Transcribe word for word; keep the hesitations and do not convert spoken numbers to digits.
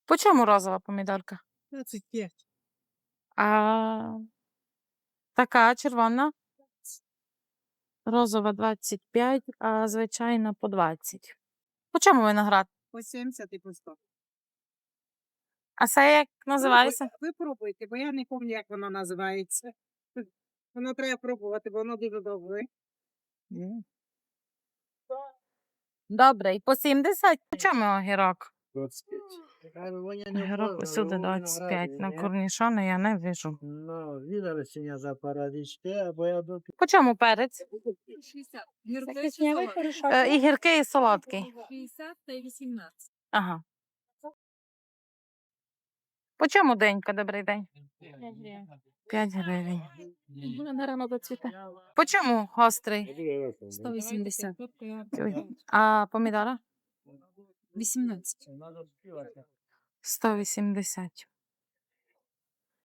По чому розова помідорка? двадцять п'ять. А така червона? Розова двадцять п'ять, а звичайна по двадцять. По чому виноград? По сімдесят і по сто. А це як називається? Ви пробуйте, бо я не пам'ятаю, як воно називається. Воно треба пробувати, бо воно дуже добре. Добре, і по сімдесят? По чому огірок? двадцять п'ять. Огірок усюди двадцять п'ять. На корнішони я не вижу. Ну, видали синя за парадички, або я до По чому перець? шістдесят. Е, і гіркий, і солодкий. шістдесят та вісімнадцять. Ага. По чому денька, добрий день? п'ять гривень. Вона рано доцвіте. По чому гострий? сто вісімдесят. А помідора? вісімнадцять. сто вісімдесят.